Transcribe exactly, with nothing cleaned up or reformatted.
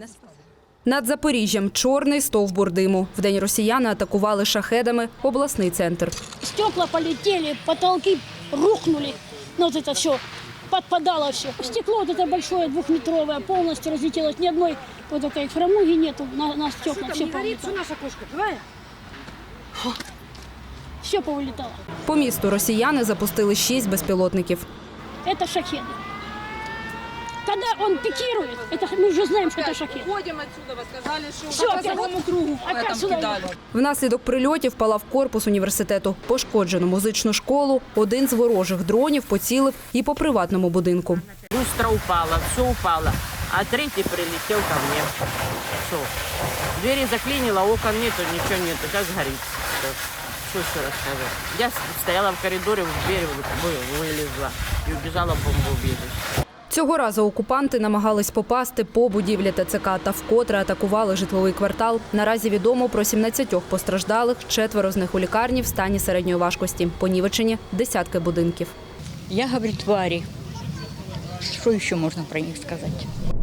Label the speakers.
Speaker 1: Над Запоріжжям чорний стовбур диму. Вдень росіяни атакували шахедами обласний центр.
Speaker 2: Стекла полетели, потолки рухнули. Ну, вот это все, подпадало все. Стекло вот это большое, двухметровое, полностью разлетелось. Ни одной вот этой фрамуги нету на, на стекла. Все повылетало.
Speaker 3: Наша кошка, живая?
Speaker 2: Все повылетало.
Speaker 1: По місту росіяни запустили шість безпілотників.
Speaker 2: Это шахеды. Когда он пикирует, это, мы уже знаем, что это шахед.
Speaker 3: Ходим отсюда, вы сказали, что
Speaker 2: Всё,
Speaker 3: по
Speaker 2: опять.
Speaker 3: целому кругу
Speaker 2: Опять
Speaker 3: там
Speaker 2: сюда
Speaker 3: кидали.
Speaker 1: Внаслідок прильотів палав корпус університету. Пошкоджено музичну школу. Один з ворожих дронів поцілив і по приватному будинку.
Speaker 4: Люстра упала, все упало, а третий прилетел ко мне. Все. Двери заклинило, окон нету, ничего нету, сейчас горит. Всё. Что еще рассказать? Я стояла в коридоре, в дверь вы- вылезла и убежала в бомбоубежище.
Speaker 1: Цього разу окупанти намагались попасти по будівлі ТЦК та вкотре атакували житловий квартал. Наразі відомо про сімнадцять постраждалих, четверо з них у лікарні в стані середньої важкості. Понівечені десятки будинків.
Speaker 5: Я говорю, твари. Что еще можно про них сказать?